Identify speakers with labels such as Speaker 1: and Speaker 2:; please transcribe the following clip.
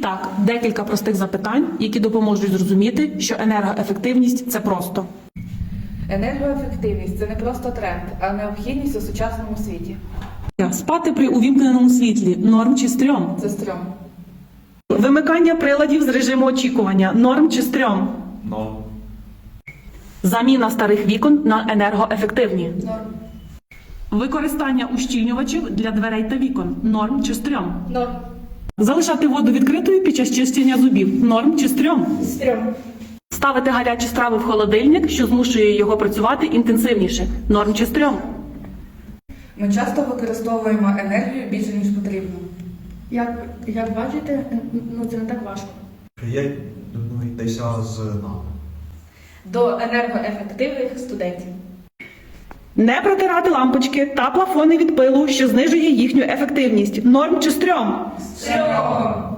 Speaker 1: І так, декілька простих запитань, які допоможуть зрозуміти, що енергоефективність – це просто.
Speaker 2: Енергоефективність – це не просто тренд, а необхідність у сучасному світі.
Speaker 1: Спати при увімкненому світлі – норм чи стрьом?
Speaker 2: Це стрьом.
Speaker 1: Вимикання приладів з режиму очікування – норм чи стрьом?
Speaker 3: Норм.
Speaker 1: Заміна старих вікон на енергоефективні.
Speaker 2: Норм.
Speaker 1: Використання ущільнювачів для дверей та вікон – норм чи стрьом?
Speaker 2: Норм.
Speaker 1: Залишати воду відкритою під час чищення зубів – норм чи стрьом?
Speaker 2: Стрьом.
Speaker 1: Ставити гарячі страви в холодильник, що змушує його працювати інтенсивніше – норм чи стрьом?
Speaker 2: Ми часто використовуємо енергію більше, ніж потрібно.
Speaker 4: Як бачите, це не так важко.
Speaker 3: Приєднуйтеся з нами.
Speaker 2: До енергоефективних студентів.
Speaker 1: Не протирати лампочки та плафони від пилу, що знижує їхню ефективність – норм чи стрьом?
Speaker 2: Стрьом.